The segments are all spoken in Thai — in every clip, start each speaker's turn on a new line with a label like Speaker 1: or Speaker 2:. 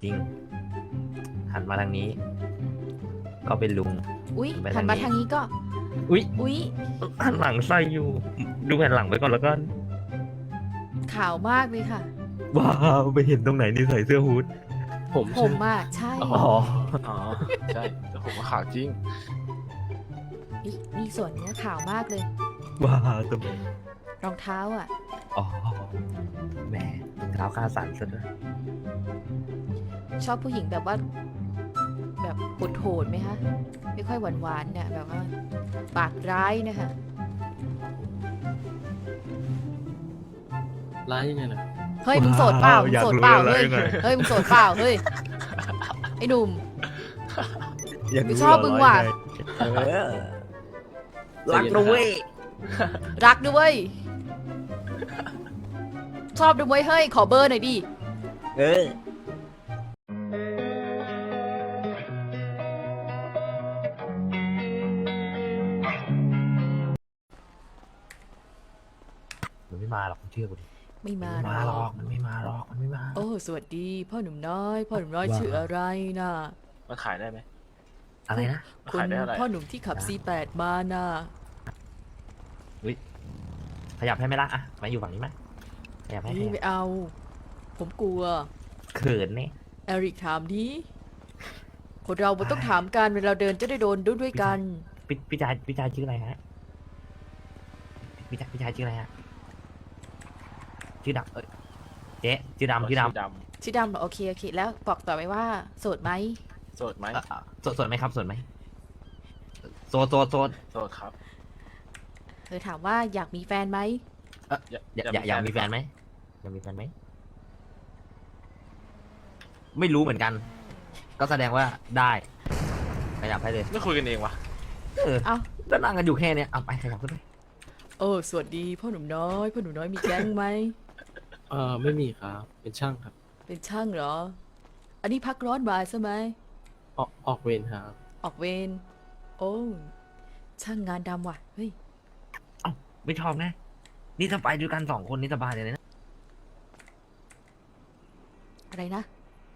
Speaker 1: จริงหันมาทางนี้ ก็เป็นลุง
Speaker 2: อุ๊ย
Speaker 1: ไป
Speaker 2: หันมาทางนี้ก็
Speaker 1: อุ๊ย
Speaker 2: อุ๊ย
Speaker 1: หันหลังใส่อยู่ ดูแผ่นหลังไปก่อนแล้วกัน
Speaker 2: ขาวมากเลยค่ะ
Speaker 1: ว้าวไปเห็นตรงไหนนี่ใส่เสื้อฮู้ด
Speaker 3: ผม
Speaker 2: ผมอ่ะใช่
Speaker 3: อ๋ออ๋อใช่แต่ผมว่าขาวจริง
Speaker 2: นี่ส่วนเนี้ยขาวมากเลย
Speaker 1: ว้าวตรงไหน
Speaker 2: รองเท้าอ่ะ
Speaker 1: อ๋อแหมเท้าคาสันซะด้วย
Speaker 2: ชอบผู้หญิงแบบว่า แบบโหดๆไหมคะ ไม่ค่อยหวานๆเนี่ยแบบว่า ปากร้ายนะคะ
Speaker 3: ร้ายยังไงนะ
Speaker 2: เฮ้ยมึงโสดเปล่ามึงโสดเปล่า
Speaker 1: อยากรู้
Speaker 2: เฮ้ย
Speaker 1: แล้วยังไง
Speaker 2: เฮ้ยมึงโสดเปล่าเฮ้ยไอ้หนุ่ม
Speaker 1: อยาก
Speaker 2: ไม่
Speaker 1: รู้
Speaker 2: ชอบมึงว่ะ
Speaker 1: เออรักนะเว้ย
Speaker 2: รักด้วยชอบด้วยเฮ้ยขอเบอร์หน่อยดิ
Speaker 1: เออมันไม่มาหรอกมึงเชื่อกูดิ
Speaker 2: ไม่มา
Speaker 1: มันไม่มาหรอกมันไม่มาหรอกมันไม่มา
Speaker 2: โอ้สวัสดีพ่อหนุ่มน้อย พ่อหนุ่มน้อย
Speaker 1: ว่า
Speaker 2: ชื่ออะไรนะ
Speaker 3: มันขายได้ไหม
Speaker 1: อะไรนะ
Speaker 3: มัน
Speaker 2: คุณ
Speaker 3: ขายได้เท่าไหร่
Speaker 2: พ่อหนุ่มที่ขับ C8 มานะ
Speaker 1: ขยับให้ไหมล่ะอ่ะมาอยู่ฝั่งนี้ไหมขยับให้
Speaker 2: นี่ไม่เอา ผมกลัว
Speaker 1: เขินเนี่ย
Speaker 2: เอริกถามดิคนเรามันต้องถามกันเวลาเดินจะได้โดนด้วยกัน
Speaker 1: พี่ชายชื่ออะไรฮะพี่ชายชื่ออะไรฮะชื่อดำเจ๊ชื่อดำ
Speaker 2: ชื่อดำเหรอโอเคโอเค แล้วบอกต่อไปว่าโสดไหม
Speaker 3: โสดไหม
Speaker 1: สดไหมครับสดไหมโสด
Speaker 3: โสดครับ
Speaker 2: เธอถามว่าอยากมีแฟนไหม
Speaker 1: อยากมีแฟนไหมอยากมีแฟนไหมไม่รู้เหมือนกัน ก็แสดงว่าได้ขยับให้เลย
Speaker 3: ไม่คุยกันเองวะ
Speaker 2: เอ้า
Speaker 1: ก็นั่งกันอยู่แค่เนี้ยเอาไปขยับขึ้นไป
Speaker 2: โอ้สวัสดีพ่อหนุ่มน้อยพ่อหนุ่มน้อยมีแก๊งไหม
Speaker 3: ไม่มีครับ เป็นช่างครับ
Speaker 2: เป็นช่างเหรอ อันนี้พักร้อนบ่ายใช่ไหม
Speaker 3: ออกเวรครับ
Speaker 2: ออกเวรโอ้ช่างงานดำว่ะเฮ้ย
Speaker 1: เอ้าไม่ชอบไงนี่ถ้าไปด้วยกัน2 คนนี่สบายเลยนะ
Speaker 2: อะไรนะ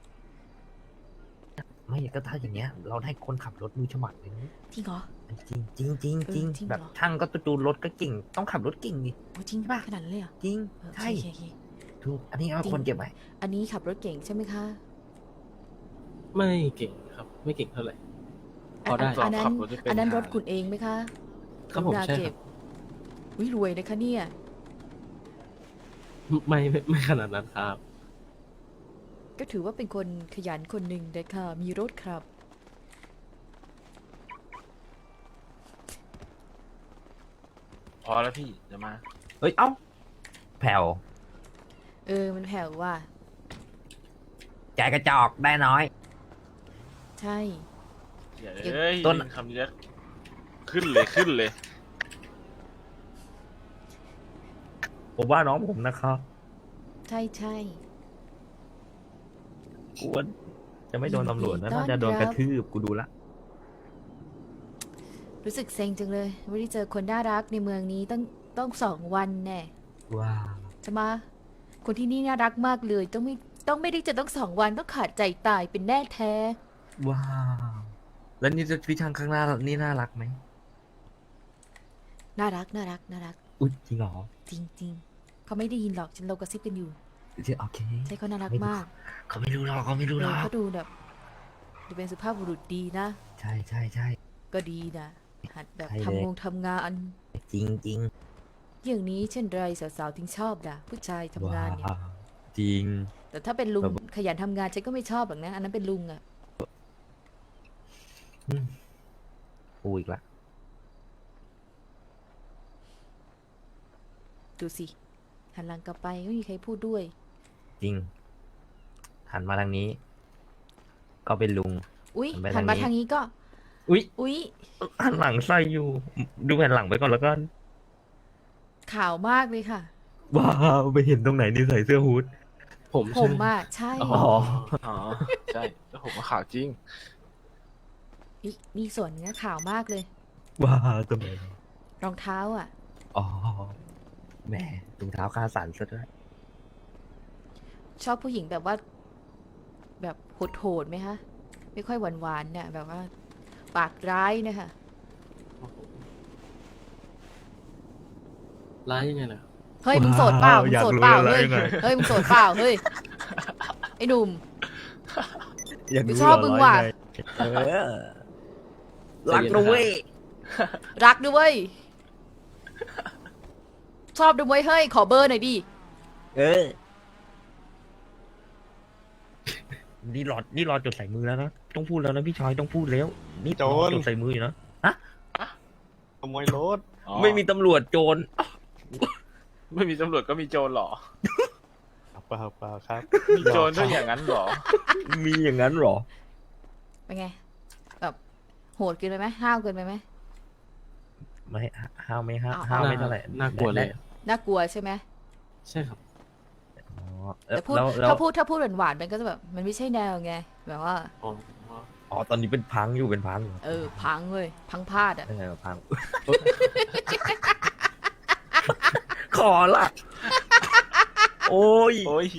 Speaker 1: ไม่ก็ถ้าอย่างเงี้ย เราได้คนขับรถมือฉมัดเลยนะ
Speaker 2: จริงเหรอ
Speaker 1: จริงจริง
Speaker 2: เออ
Speaker 1: จริง
Speaker 2: จริงเหรอ
Speaker 1: แบบช่างก็จูนรถก็เก่งต้องขับรถเก่งดิ
Speaker 2: โอ้จริงป่ะขนาดนั้นเลยเหรอ
Speaker 1: จริง
Speaker 2: เออ
Speaker 1: ใช่
Speaker 2: โอเค
Speaker 1: ถูกอันนี้เอา
Speaker 2: จริง
Speaker 1: คนเก็บไว้
Speaker 2: อันนี้ขับรถเก่งใช่ไหมคะ
Speaker 3: ไม่เก่งครับ ไม่เก่งเท่าไหร่ พอได้
Speaker 2: อันนั้น
Speaker 3: ขับรถไม่เป็น
Speaker 2: อันนั้น
Speaker 3: หาร
Speaker 2: ถคุณเองไหมคะ
Speaker 3: ครับผม
Speaker 2: กณา
Speaker 3: ใช่
Speaker 2: เก็
Speaker 3: ครับ บ
Speaker 2: วิรวยนะคะเนี่ย
Speaker 3: ไม่ขนาดนั้นครับ
Speaker 2: ก็ถือว่าเป็นคนขยันคนหนึ่งเลยค่ะ มีรถครับ
Speaker 3: พอแล้วพี่เดี๋ยวมา
Speaker 1: เฮ้ยเอ้าแผ่ว
Speaker 2: มันแผ่วว่ะ
Speaker 1: ใจกระจอกได้น้อย
Speaker 2: ใช่
Speaker 3: อย่า
Speaker 2: เก็บ
Speaker 3: เอ้ย
Speaker 1: ต้น
Speaker 3: คำนี้แล้วขึ้นเลย
Speaker 1: ผมว่าน้องผมนะครับ
Speaker 2: ใช่ใช่
Speaker 1: กวนจะไม่โดนตำรวจนะ
Speaker 2: ยินดีต้อน
Speaker 1: น่าจะโดน
Speaker 2: รับ
Speaker 1: กระทืบกูดูละ
Speaker 2: รู้สึกเซ็งจังเลย ไม่ได้เจอคนน่ารักในเมืองนี้ต้อง2 วันแน่
Speaker 1: ว้าว
Speaker 2: จะมา คนที่นี่น่ารักมากเลย ต้องไม่ได้เจอต้อง2 วันต้องขาดใจตายเป็นแน่แท้
Speaker 1: ว้าวแล้วนี่จะพี่ช่างข้างหน้านี่น่ารักไหม
Speaker 2: น่ารักน่ารักน่ารัก
Speaker 1: อุ๊ยจริงเหรอ
Speaker 2: จริง ๆเขาไม่ได้ยินหรอกฉันเรากระซิบกันอยู่
Speaker 1: โอเค
Speaker 2: ใช่เขาน่ารัก
Speaker 1: ไม่รู้
Speaker 2: มาก
Speaker 1: เขาไม่รู้หรอกเขาไม่รู้หรอก
Speaker 2: เขาดูแบบดูเป็นสุภาพบุรุษดีนะ
Speaker 1: ใช่ใช่ใช่
Speaker 2: ก็ดีนะหัดแบบ
Speaker 1: ใช่เลย
Speaker 2: ทำงาน
Speaker 1: จริงจริง
Speaker 2: อย่างนี้เช่นไรสาวๆถึงชอบล่ะผู้ชายทำงานเนี่ย
Speaker 1: ว้วจริง
Speaker 2: แต่ถ้าเป็นลุง
Speaker 1: แบบ
Speaker 2: ขยันทำงานฉันก็ไม่ชอบหรอกนะอันนั้นเป็นลุงอะ
Speaker 1: กูอีกละ
Speaker 2: ดูสิหันหลังกลับไปไม่มีใครพูดด้วย
Speaker 1: จริง หันมาทางนี้ ก็เป็นลุง
Speaker 2: อุ๊ย
Speaker 1: หั
Speaker 2: หั
Speaker 1: น
Speaker 2: น
Speaker 1: ไป
Speaker 2: มา
Speaker 1: ทา
Speaker 2: ทาง ง
Speaker 1: นี้
Speaker 2: นี้ก็
Speaker 1: อุ๊ย
Speaker 2: อุ๊ย
Speaker 1: หันหลังใส่อยู่ ดูแผ่นหลังไปก่อนแล้วกัน
Speaker 2: ขาวมากเลยค่ะ
Speaker 1: ว้าวไปเห็นตรงไหนนี่ใส่เสื้อฮู้ด
Speaker 3: ผม
Speaker 2: ผมอ่ะใช่
Speaker 3: อ๋ออ๋อใช่แล้วผมว่าขาวจริง
Speaker 2: นี่ส่วนเนี้ยขาวมากเลย
Speaker 1: ว้าวตรงไหน
Speaker 2: รองเท้าอ่ะ
Speaker 1: อ๋อแหมถุงเท้าคาสันซะด้วย
Speaker 2: ชอบผู้หญิงแบบว่า แแบบโหดๆไหมคะ ไม่ค่อยหวานๆเนี่ยแบบว่า ปากร้ายเนะคะ
Speaker 3: โอ้โหร้ายยังไงล่ะ
Speaker 2: เฮ้ยมึงโสดเปล่ามึง
Speaker 1: อยาก
Speaker 2: โสด
Speaker 1: รู้
Speaker 2: เปล่า
Speaker 1: อะไร
Speaker 2: เฮ้ย
Speaker 1: ไง
Speaker 2: เฮ้ยมึงโสดเปล่าเฮ้ยไอ้หนุ่ม
Speaker 1: อยากรู้
Speaker 2: ชอบมึงว่ะ
Speaker 1: เออรักนะเว้ย
Speaker 2: รักด้วยเวยชอบด้วยเวยเฮ้ยขอเบอร์หน่อยดิ
Speaker 1: เออ นี่รอจดใส่มือแล้วนะต้องพูดแล้วนะพี่ชายต้องพูดแล้ว นี่
Speaker 4: โจร
Speaker 1: จดใส่มืออยู่นะ
Speaker 4: ขโมยรถ
Speaker 5: อ๋อ
Speaker 1: ไม่มีตำรวจโจร
Speaker 5: ไม่มีตำรวจก็มีโจรเหรอ
Speaker 4: เปล่าเปล่าครับ
Speaker 5: มีโจรด้วยอย่างนั้นเหรอ
Speaker 1: มีอย่างนั้นเหรอ
Speaker 2: เป็นไง แบบโหดเกินไปไหมห้าวเกินไปไหม
Speaker 1: ไม่ห้าวไม่ห้าว
Speaker 2: เอา
Speaker 1: ห้าวไม่เท่าไหร่
Speaker 3: น่ากลัวเลย
Speaker 2: น่ากลัวใช่ไหม
Speaker 3: ใช่ครับ
Speaker 1: อ๋อ
Speaker 2: แต่พูด
Speaker 1: แล้ว
Speaker 2: ถ้าพูดหวานๆมันก็จะแบบมันไม่ใช่แนวไงแบบว่า
Speaker 3: อ๋อ
Speaker 1: อ๋อตอนนี้เป็นพังอยู่เป็นพังอยู่
Speaker 2: พังเลยพังพลาดอ่ะ
Speaker 1: พัง ขอละ โอ้ย
Speaker 5: โอ้ย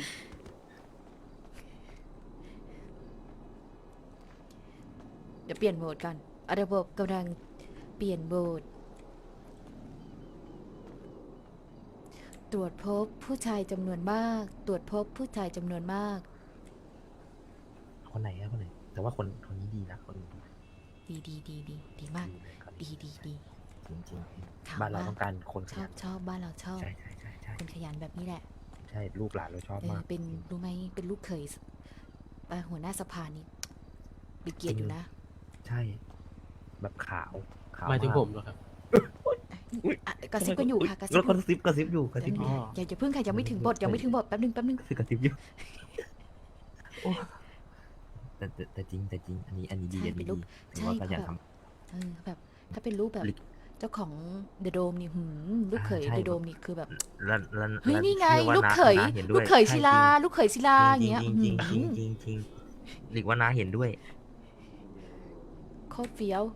Speaker 2: เดี๋ยวเปลี่ยนโหมดกันระบบกำลังเปลี่ยนโหมดตรวจพบผู้ชายจำนวนมาก ตรวจพบผู้ชายจำนวนมาก
Speaker 1: คนไหนอะคนไหน แต่ว่าคนนี้ดีนะคนนี้
Speaker 2: ดีมาก ดี
Speaker 1: จริง
Speaker 2: ถาม
Speaker 1: ๆบ้านเรา
Speaker 2: ว่า
Speaker 1: ต้องการคนข
Speaker 2: ชอ
Speaker 1: ยั
Speaker 2: บ
Speaker 1: น
Speaker 2: ชอบบ้านเราชอบ
Speaker 1: ใช่
Speaker 2: คนขยันแบบนี้แหละ
Speaker 1: ใช่ลูกหลานเราชอบมาก
Speaker 2: เป็นรู้ไหมเป็นลูกเขยหัวหน้าสภานี่มีเกียรติอยู่นะ
Speaker 1: ใช่ แบบขาว
Speaker 3: หมายถึง
Speaker 1: ก
Speaker 3: ผมเหรอครับ
Speaker 2: อ่ะกระซิบกันอยู่ค่ะกระซิ
Speaker 1: แล้ว
Speaker 2: บ
Speaker 1: กระซิบอยู่กระซิบอยู่
Speaker 3: อ๋อ
Speaker 2: อย่าเพิ่งค่ะยังไม่ถึงบทยังไม่ถึงบทแป๊บนึง
Speaker 1: กระซิบอยู่แต่จริงอันนี้ดี
Speaker 2: ใช่
Speaker 1: อัน
Speaker 2: เป็
Speaker 1: นี้
Speaker 2: นลู
Speaker 1: ดี
Speaker 2: ก
Speaker 1: ถือว่า
Speaker 2: ใช่
Speaker 1: ขยัน
Speaker 2: เขา
Speaker 1: ท
Speaker 2: แบบ ถ้าเป็นลูกแบบ
Speaker 1: ลิก
Speaker 2: เจ้าของเดอะโดมนี่ลูกเขย
Speaker 1: ใช่
Speaker 2: เดอะโดมนี่คือแบบ
Speaker 1: ำแล้ว
Speaker 2: เฮ้ยนี่ไง
Speaker 1: ชื่อว่า
Speaker 2: ลูกเขย
Speaker 1: น้าห็นด้
Speaker 2: ลู
Speaker 1: วย
Speaker 2: กเขยศิลา
Speaker 1: ใช่
Speaker 2: ลูกเขยศิลาอย่างเงี้ย
Speaker 1: จริงหรือว่าน้าเห็นด้วย
Speaker 2: โคตรเฟี้ยว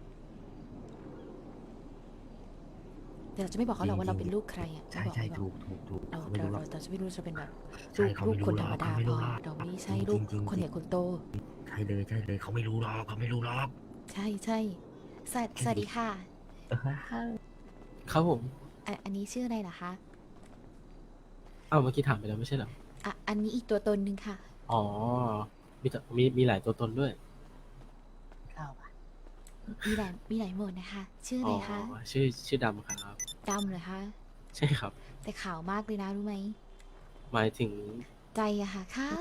Speaker 2: แต่เราจะไม่บอกเขาหรอกว่าเราเป็นลูกใครอ่ะ
Speaker 1: ใช่
Speaker 2: ไม่บอก
Speaker 1: ถูก
Speaker 2: เรา
Speaker 1: เขาไม่รู้หรอก
Speaker 2: เราจะไม่รู้จะเป็นแบบ
Speaker 1: ใช่เขา
Speaker 2: ลู
Speaker 1: ไม่
Speaker 2: ก
Speaker 1: รู้
Speaker 2: คน
Speaker 1: หร
Speaker 2: ธร
Speaker 1: อก
Speaker 2: รมดา
Speaker 1: เขาไม่
Speaker 2: พ
Speaker 1: รู้
Speaker 2: อ
Speaker 1: หรอก
Speaker 2: เราไม่ใช่
Speaker 1: จริง
Speaker 2: ลูก
Speaker 1: จริง
Speaker 2: คนใหญ่คนโต
Speaker 1: ใช่เลยเขาไม่รู้หรอกเขาไม่รู้หรอก
Speaker 2: ใช่สวัสดีค่ะ
Speaker 3: ครับผม
Speaker 2: อันนี้ชื่ออะไรเหรอคะ
Speaker 3: เอ้าเมื่อกี้ถามไปแล้วไม่ใช่เหรอ
Speaker 2: อันนี้อีกตัวตนหนึ่งค่ะ
Speaker 3: อ๋อ มีหลายตัวตนด้วย
Speaker 2: มีหลายโหมดนะคะ ชื่ออะ
Speaker 3: อ๋
Speaker 2: ไร
Speaker 3: อ
Speaker 2: คะ
Speaker 3: ชื่อดำครับ
Speaker 2: ดำเหรอคะ
Speaker 3: ใช่ครับ
Speaker 2: แต่ขาวมากเลยนะรู้ไหม
Speaker 3: หมายถึง
Speaker 2: ใจอะค่ะขาว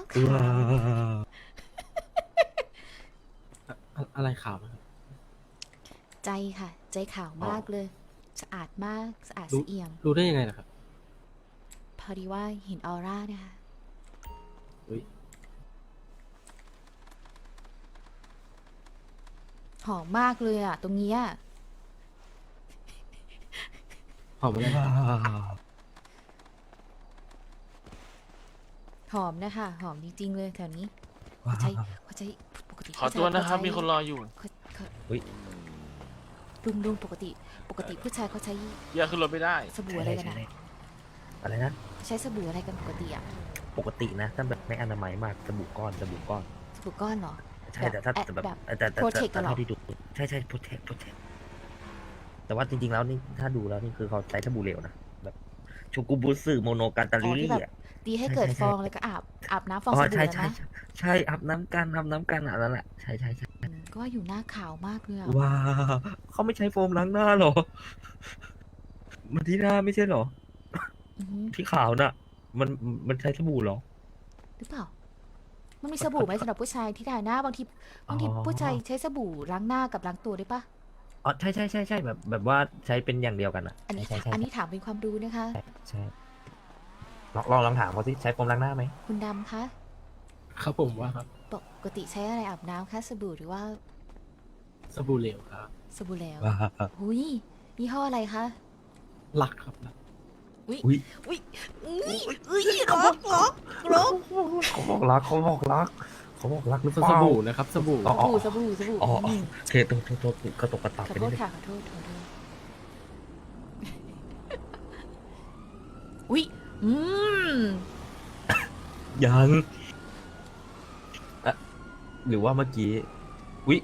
Speaker 3: อะไรขาวนะครับ
Speaker 2: ใจค่ะ ใจขาวมากเลย สะอาดมากสะอาด
Speaker 3: รู้
Speaker 2: สะเอี่ยม
Speaker 3: รู้ได้ยังไงล่ะครับ
Speaker 2: พอดีว่าเห็นออร่านะคะ
Speaker 3: อุ๊ย
Speaker 2: หอมมากเลยอะตรงเนี้ย
Speaker 3: หอมอะไร
Speaker 2: หอมนะคะ หอมจริงๆเลยแถวนี้เขาใช้ปกติ
Speaker 5: ขอตัวนะครับ
Speaker 2: เขาใช้
Speaker 5: มีคนรออยู่
Speaker 2: เขา
Speaker 1: อุ๊ย
Speaker 2: ลุงปกติผู้ชายเขาใช้
Speaker 5: เยอะขึ้นรถไม่ได้
Speaker 2: สบู่อะไรกันอะ
Speaker 1: อะไรนะ
Speaker 2: ใช้สบู่อะไรกันปกติอะ
Speaker 1: ปกตินะถ้าแบบไม่อนามัยมากสบู่ก้อน
Speaker 2: สบู่ก้อนเหรอ
Speaker 1: ใช่แต่ถ้า
Speaker 2: แบบ
Speaker 1: แบบ
Speaker 2: แบบ
Speaker 1: แต่
Speaker 2: Protect กันเหรอ
Speaker 1: เท่าที่ดูใช่โปรเทคแต่ว่าจริงๆแล้วนี่ถ้าดูแล้วนี่คือเขาใช้สบู่เหลวนะแบบชูกุบุสึโมโนกันตา
Speaker 2: อ๋อ
Speaker 1: ลิ
Speaker 2: ที่แบบ
Speaker 1: อ่ะ
Speaker 2: ตีให้เกิด
Speaker 1: ใช่
Speaker 2: ฟองแล้วก็อาบน้ำฟอง
Speaker 1: อ๋
Speaker 2: ส
Speaker 1: อ
Speaker 2: บู่
Speaker 1: ใช่
Speaker 2: แล้วนะ
Speaker 1: ใช่อาบน้ำกันอันนั้นแหละใช่
Speaker 2: ก็ว่าอยู่หน้าขาวมากเลยอะ
Speaker 1: ว้าวเขาไม่ใช้โฟมล้างหน้าหรอ มันที่หน้าไม่ใช่หรอ
Speaker 2: อือหือ
Speaker 1: ที่ขาวน่ะ มันใช้สบู่หรอ
Speaker 2: หรือเปล่า มันมีสบู่ไหมสำหรับผู้ชายที่ทาหน้าบางที
Speaker 1: อ๋อ
Speaker 2: ผู้ชายใช้สบู่ล้างหน้ากับล้างตัวด้วยปะ
Speaker 1: อ๋อใช่แบบว่าใช้เป็นอย่างเดียวกันอ่ะ
Speaker 2: อันนี้
Speaker 1: ใช่
Speaker 2: อันนี้ถามเป็นความรู้นะคะ
Speaker 1: ใช่ลองถามเขาสิใช้โฟมล้างหน้าไหม
Speaker 2: คุณดำคะ
Speaker 3: ครับผมว่าครับ
Speaker 2: ปกติใช้อะไรอาบน้ำคะสบู่หรือว่า
Speaker 3: สบู่เหลวครับ
Speaker 2: สบู่แล้ว
Speaker 1: ว้าว
Speaker 2: หุยยี่ห้ออะไรคะ
Speaker 3: หลักครับหลัก
Speaker 1: อุ้ย
Speaker 2: อุ้ยล็อก
Speaker 1: เขาบอกรักหรือเป
Speaker 3: ส
Speaker 1: ล่า
Speaker 3: บู่นะครับ สบู่
Speaker 1: อ๋อ
Speaker 2: สบู่
Speaker 1: อ๋อ
Speaker 2: ม
Speaker 1: โอเคโทษกระตกกระตับ
Speaker 2: ขอ
Speaker 1: ไป
Speaker 2: โท
Speaker 1: นิด
Speaker 2: ษ
Speaker 1: นึง
Speaker 2: ค่ะขอโทษอุ้ย
Speaker 1: ยังหรือว่าเมื่อกี้วิ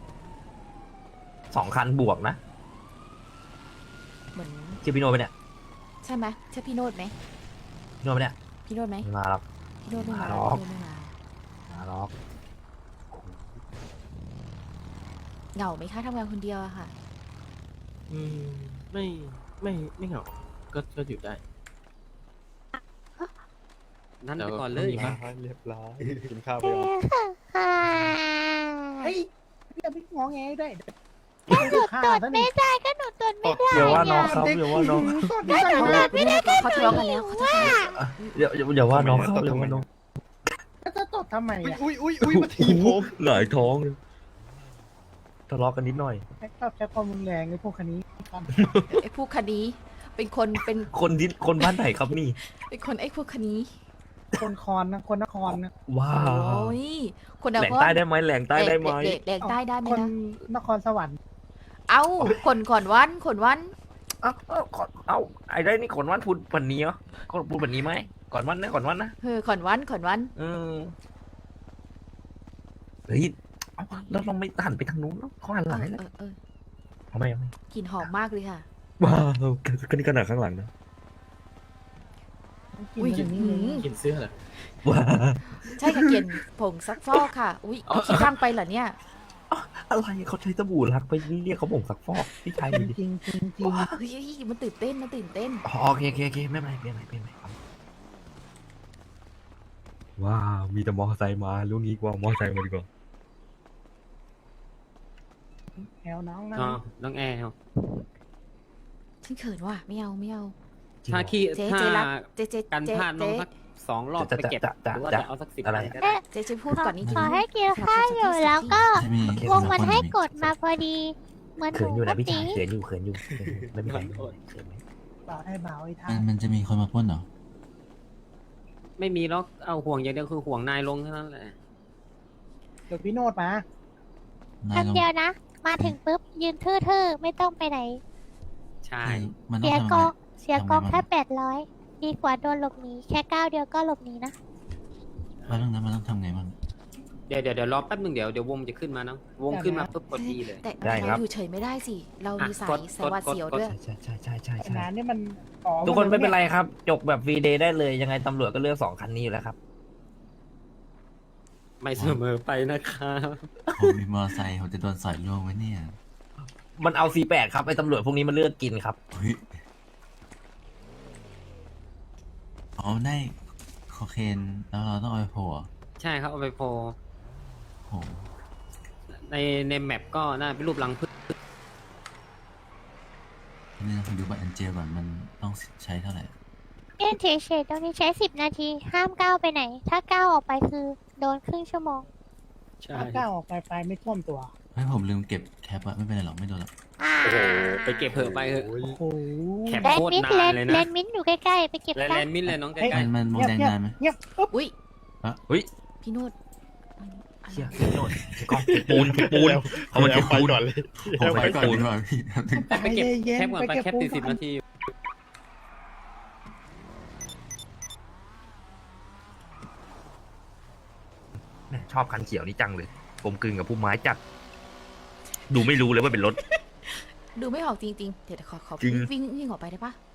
Speaker 1: 2 คันบวกนะ
Speaker 2: เหมือน
Speaker 1: เจอพี่โนไปเนี่ย
Speaker 2: ใช่ไหมใช่พี่โนดไหม
Speaker 1: พี่โนไปเนี่ย
Speaker 2: พี่โนดไหม
Speaker 1: ไม่มาหรอก
Speaker 2: พี่โนดไม่มา
Speaker 1: มาหรอก
Speaker 2: พี่โนดไม่มา
Speaker 1: มาหรอก
Speaker 2: เหงาไหมคะทำงานคนเดียวอะค่ะ
Speaker 3: อืมไม่เหงาก็อยู่ได้
Speaker 6: นั่นไปก่อนเลย
Speaker 3: แต่ว่า
Speaker 4: เรียบร้อยกินข้าวไปก่อน
Speaker 7: เฮ้ยพี่พี่งอแงได้ก็หนูตดไม่ได้ก็หนูตดไม่ได้
Speaker 1: เดี๋ยวว่าน้องครับเดี๋ยวว่าน้อง
Speaker 7: ตดไม่ได้เลย
Speaker 2: ไม่ได้เขาทะเลาะกันแล้วเขาทะเลาะกันแล้ว
Speaker 1: เดี๋ยวว่าน้องครับเดี๋ยวว่าน้อง
Speaker 7: จะตดทำไมอ่ะ
Speaker 4: อุ้ยมาทีผม
Speaker 1: หงายท้องเลยทะเลาะกันนิดหน่อย
Speaker 7: ชอบใช้ความรุนแรงในพวกคันนี้
Speaker 2: ไอ้พวกคดีเป็น
Speaker 1: คนบ้านไหนครับนี่
Speaker 2: เป็นคนไอ้พวกคดี
Speaker 7: คนคอนนะคนนครนะ
Speaker 1: ว้า
Speaker 2: โอ้
Speaker 1: วย
Speaker 2: คน
Speaker 1: แหลงใต้ได้ไหมแหลงใต้ได้ไหม
Speaker 2: แหลงใต้ได้ไหม
Speaker 7: คน
Speaker 2: นะ
Speaker 7: นครสวรรค์
Speaker 2: เอ้าคนก่อนวันคนวัน
Speaker 1: เอ้าไอ้ได้นี่ก่อนวันพูดวันนี้เหรอก่อนพูดวันนี้ไหมก่อนวันนะ
Speaker 2: ก่อนวัน
Speaker 1: เฮ้ยเอาแล้วเราไม่หันไปทางนู้นเนอะเขาหันหลังให้แล้ว เอาไม่
Speaker 2: กลิ่นหอมมากเลยค่ะ
Speaker 1: ว้าวก็นี่ขนาดข้างหลังนะ
Speaker 2: อุ้ย
Speaker 7: กินอย่างนี้เลย
Speaker 3: กินเสื้อเหรอ
Speaker 1: ว้า
Speaker 2: ใช่ค่ะเกลียนผงซักฟอกค่ะ อุ้ยเอาขี้ข้างไปเหรอเนี่ย
Speaker 1: อะไรเขาใช้สบู่รักไปเรียกเขาบ่งซักฟอกพี่ชาย
Speaker 7: จริงจริงจริงจริง
Speaker 2: เฮ้ยมันตื่นเต้น
Speaker 1: โอเคไม่เป็นไรเปลี่ยนใหม่ว้าวมีแต่มอเตอร์ไซค์มาลุงนี้กว่ามอเตอร์ไซค์มาดีกว่า
Speaker 7: แถวน้องนะ
Speaker 6: อ๋อน้องแอร์
Speaker 2: ฉันเขินว่ะไม่เอา
Speaker 6: ถ้าขี้
Speaker 2: เจ๊
Speaker 6: ถ้า
Speaker 2: เจ๊รับเจ๊
Speaker 6: กันพลาดน้องสัก2 รอบไปเก็บหรือว่าจะเอาสัก10
Speaker 1: อะไร
Speaker 6: อันก็ได้
Speaker 2: เจ๊พูดก่อนนี้
Speaker 8: ขอให้กินข้าวอยู่แล้วก็
Speaker 9: จะมี
Speaker 8: วงมันให้กดมาพอดี เหมือนห
Speaker 1: เขิน
Speaker 8: นู
Speaker 1: อยู่
Speaker 8: เมื่
Speaker 1: นะ
Speaker 8: อ
Speaker 1: พี่ชา
Speaker 8: กี้
Speaker 1: ยเขินอยู่ไม่เป็นไรเขินไหม
Speaker 7: เบาให้เบาไอ้ท่า
Speaker 9: มันจะมีคนมาปล้นเหรอ
Speaker 6: ไม่มีล็อกเอาห่วงอย่างเดียวคือห่วงนายลงเท่านั้นแหละ
Speaker 7: เดี๋ยวพี่โนดมา
Speaker 9: นายลง
Speaker 8: คำเดียวนะ มาถึงปุ๊บยืนทื่อๆ ไม่ต้องไปไหน
Speaker 6: ใช่
Speaker 9: มันต้อ
Speaker 8: เสี
Speaker 9: ง
Speaker 8: ย
Speaker 9: ทำ
Speaker 8: ก
Speaker 9: ไง
Speaker 8: องเสียกอง
Speaker 9: ทำไง
Speaker 8: แค่800 ดีกว่าโดนหลบหนีแค่ก้าวเดียวก็หลบหนีนะ
Speaker 9: แล้วเรื่องนั้นมันต้องทำไงบ้าง
Speaker 6: เดี๋ยวรอแป๊บนึงเดี๋ยววงจะขึ้นมานะวงขึ้นมาปุ๊บกดดีเลย
Speaker 2: แต่เราอยู่เฉยไม่ได้สิ เรามีสาย
Speaker 6: กด
Speaker 2: สายหวาดเสียวด้วย
Speaker 1: ใช่
Speaker 7: ไอ้นานนี่มันอ๋อ
Speaker 1: ทุกคนไม่เป็นไรครับ จบแบบฟรีเดย์ได้เลยยังไงตำรวจก็เลือก2 คันนี้อยู่แล้วครับ
Speaker 6: ไม่เสมอไปนะครับ
Speaker 9: ผมมีมอเตอร์ไซค์ผมจะโดนสอยล่วงไว้เนี่ย
Speaker 1: มันเอา C8 ครับไอ้ตำรวจพวกนี้มันเลือกกินครับ
Speaker 9: เฮ้ยอ๋อได้โคเคนแล้วเราต้องเอาไปโผล่เหรอ
Speaker 6: ใช่ครับเอาไปโพล
Speaker 9: โห
Speaker 6: ในแมปก็น่าเป็นรูปรังผึ้ง
Speaker 9: ทีนี้เราไปดูบัตรแอนเจลก่อนมันต้องใช้เท่าไหร่
Speaker 8: เล่นเฉยๆตรงนี้ใช้10 นาที ห้ามก้าวไปไหน ถ้าก้าวออกไปคือโดนครึ่งชั่วโมง
Speaker 6: ใช่
Speaker 7: ถ้าก้าวออกไปไม่ท่วมตัว
Speaker 9: เฮ้ยผมลืมเก็บแคปอะไม่เป็นไรหรอกไม่โดนหรอก
Speaker 6: โอ้โหไปเก็บเผื่อไปเถอะ
Speaker 7: โอ้โห
Speaker 6: แคป
Speaker 8: แลน
Speaker 6: โค
Speaker 8: ด์
Speaker 6: ตร
Speaker 8: มิด
Speaker 6: นานเลยนะ
Speaker 8: แลนด์มิดอยู่ใกล้ๆ ไปเก็บ
Speaker 6: แล
Speaker 8: ซะ
Speaker 6: นด์มิดเลยน้องใก
Speaker 7: เฮ้
Speaker 6: ล้
Speaker 7: ย
Speaker 9: มันมองแดงนานไหม
Speaker 7: เงียบปุ๊บ
Speaker 2: อุ้ย
Speaker 1: เฮ้ย
Speaker 2: พี่โนด
Speaker 1: เชี่ยโน่นกองปูนเอามาเก็บ
Speaker 4: ไป
Speaker 1: ปูน
Speaker 4: ก่อนเลย
Speaker 9: ผมไปก่อนดีกว่าพี่
Speaker 6: ๆไปเก็บแคปก่อนไปแคป
Speaker 7: ปูน
Speaker 6: 40 นาที
Speaker 1: ชอบคันเขียวนี่จังเลยกลมกลืนกับพุ่มไม้จัด ดูไม่รู้เลยว่าเป็นรถ
Speaker 2: ดูไม่ออกจริงๆ เดี๋ยวขอ
Speaker 1: จริง
Speaker 2: วิ่งออกไปได้ปะ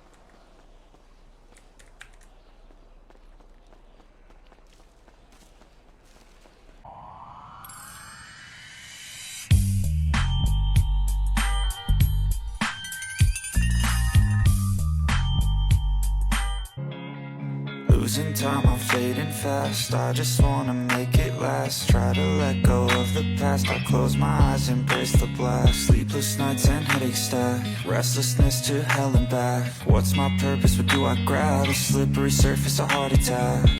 Speaker 10: Losing time, I'm fading fast. I just wanna make it last. Try to let go of the past. I close my eyes, embrace the blast. Sleepless nights and headaches stack. Restlessness to hell and back. What's my purpose? What do I grab? A slippery surface, a heart attack.